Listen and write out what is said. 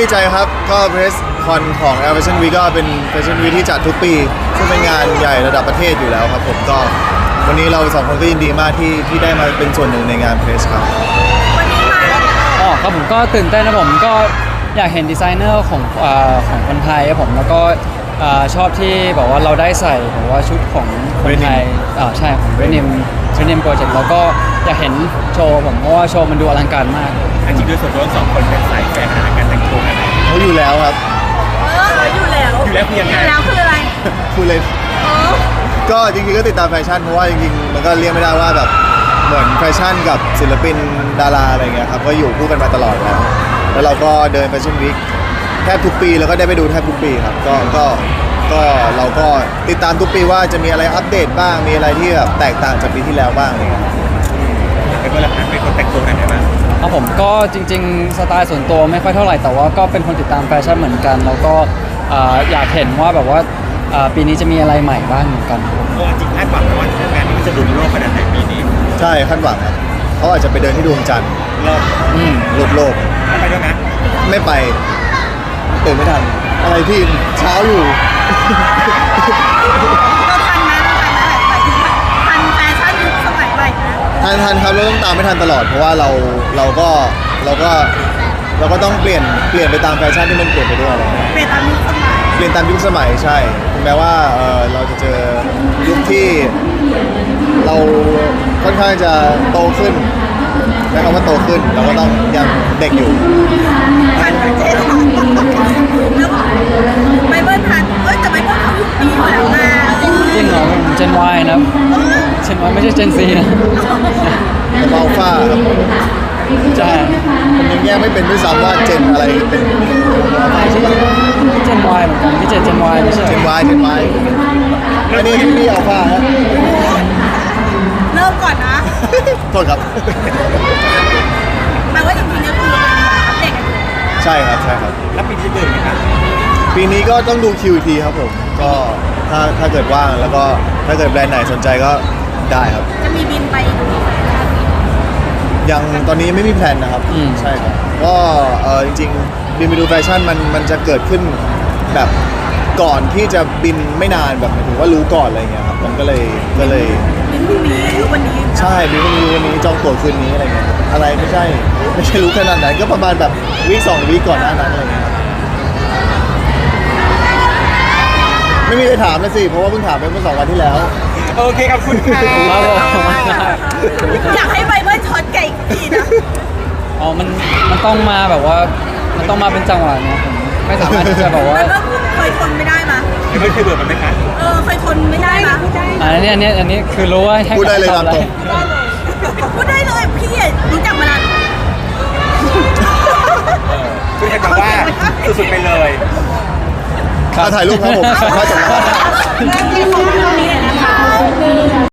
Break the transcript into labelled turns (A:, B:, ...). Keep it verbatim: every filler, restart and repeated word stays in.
A: ดีใจครับก็เพรสคอนของ Air Fashion Week ก็เป็น Fashion Week ที่จัดทุกปีซึ่งเป็นงานใหญ่ระดับประเทศอยู่แล้วครับผมก็วันนี้เราสองคนก็ยินดีมากที่ที่ได้มาเป็นส่วนหนึ่งในงานเพรสครับ
B: วันนี้มา
C: อ๋อครับผมก็ตื่นเต้นนะผมก็อยากเห็นดีไซเนอร์ของอ่าของคนไทยครับผมแล้วก็อ่าชอบที่แบบว่าเราได้ใส่แบบว่าชุดของคนไทยอ่าใช่ของเรนิมเรนิมโปรเจกต์แล้วก็อยากเห็นโชว์ผมเพราะว่าโชว์มันดูอลังการมาก
D: จริงๆด้วยส่วนตัวสองคนเป็นสายแฟชั่นการแต่งตัวกัน
A: เขาอยู่แล้วครับ
B: เอออยู่แล้ว
D: อยู่แล้วคือยังไง
B: อยู่แล้วคืออะไร
A: พูดเลย
B: เออ
A: ก็จริงๆก็ติดตามแฟชั่นเพราะว่าจริงๆมันก็เรียกไม่ได้ว่าแบบเหมือนแฟชั่นกับศิลปินดาราอะไรเงี้ยครับก็อยู่คู่กันมาตลอดแล้วแล้วเราก็เดินแฟชั่นวีคแทบทุกปีแล้วก็ได้ไปดูแทบทุกปีครับก็ก็ก็เราก็ติดตามทุกปีว่าจะมีอะไรอัปเดตบ้างมีอะไรที่แบบแตกต่างจากปีที่แล้วบ้างอะไรเงี้ย
D: เป็นคนละเป็นคนแต่งตัวกันไหมบ้าง
C: ครับผมก็จริงๆสไตล์ส่วนตัวไม่ค่อยเท่าไหร่แต่ว่าก็เป็นคนติดตามแฟชั่นเหมือนกันแล้วก็อยากเห็นว่าแบบว่าปีนี้จะมีอะไรใหม่บ้างเหมือนกัน
D: โอ้จริงคาดหวังว่างานนี้มันจะดุโลกขนาดไหนปีนี้
A: ใช่คาดหวังครับเขาอาจจะไปเดินที่ดวงจันทร์
D: โลก
A: อืมโลกโลก
D: ไปด้วยนะ
A: ไม่ไปตื่นไม่ทันอะไรที่เช้าอยู่
B: เราทันนะเราทันนะหมายถึงทันแฟชั่นยุคสมัยใหม่นะ
A: ทันทันครับเราต้องตามไม่ทันตลอดเพราะว่าเราเราก็เราก็เราก็ต้องเปลี่ยนเปลี่ยนไปตามแฟชั่นที่มันเปลี่ยนไปด้วยอะไร
B: เปลี่ยนตามยุคสมัย
A: เปลี่ยนตามยุคสมัยใช่ถึงแม้ว่าเออเราจะเจอยุคที่เราค่อนข้างจะโตขึ้นใช้คำว่าโตขึ้นเราก็ต้องยังเด็กอยู่
B: ทันเจ๊ทันแล้วไบเบิลทันเอ้ยแต่ไบเบิลเขายุคนี้อยู่แล้วนะ
C: จริงเหรอเจน Y นะเจน Y ไม่ใช่เจน ซี นะ
A: แต่อัลฟาครับ
C: ใช่
A: ผมยังแยกไม่เป็นด้วยซ้ำว่าเจนอะไรเป็น
C: เจน Y เหมือนกันพี่เจนเจน Y ไม่ใช่
A: เจน Y เจน Y อันนี้พี่อัลฟาฮะ
B: เริ่มก่อนนะ
A: โทษครับ
B: แปลว่าจริงๆเนี่ยคืออัปเดตกันอยู่
A: ใช่ครับใช่ครับ
D: แล้วปีนี้จะเดินไหมครับ
A: ปีนี้ก็ต้องดูคิวทีครับผมก็ถ้าถ้าเกิดว่างแล้วก็ถ้าเกิดแบรนด์ไหนสนใจก็ได้ครับ
B: จะมีบินไปดู
A: ยังตอนนี้ไม่มีแพลนนะครับใช่ครับก็เออจริงๆบินไปดูแฟชั่นมันมันจะเกิดขึ้นแบบก่อนที่จะบินไม่นานแบบหมายถึงว่ารู้ก่อนอะไรเงี้ยครับมันก็เลยก็เลย
B: บินพรุ่งนี้รู้วันนี้
A: ใช่บินพรุ่งนี้วันนี้จองตั๋วคืนนี้อะไรเงี้ยอะไรไม่ใช่ไม่ใช่รู้ขนาดไหนก็ประมาณแบบวีคสองวีคก่อนหน้านั้นอะไรเงี้ยไม่มีใครถามเลยสิเพราะว่าเพิ่งถามไปเมื่อสองวันที่แล้ว
D: โอเคขอบคุณค่ะ
B: อยากให้ไบเบิลช็อตไก่ทีนะ
C: อ๋อมันมันต้องมาแบบว่ามันต้องมาเป็นจังหวะเนี่ยผมไม่สามารถที่จะแบบว่า
B: เคยทนไม่ได้มา
D: ไม่เคยเบื่อมันไหมคะ
B: เออเคยทนไม่ได้มา
C: อันนี้อันนี้อันนี้คือรู้ว่า
A: พูดได้เลยตามตรง
B: พูดได้เลยพี่รู้จักมานาน
D: คือจะบอกว่าสุดๆไปเลย
A: ถ่ายรูปครับผม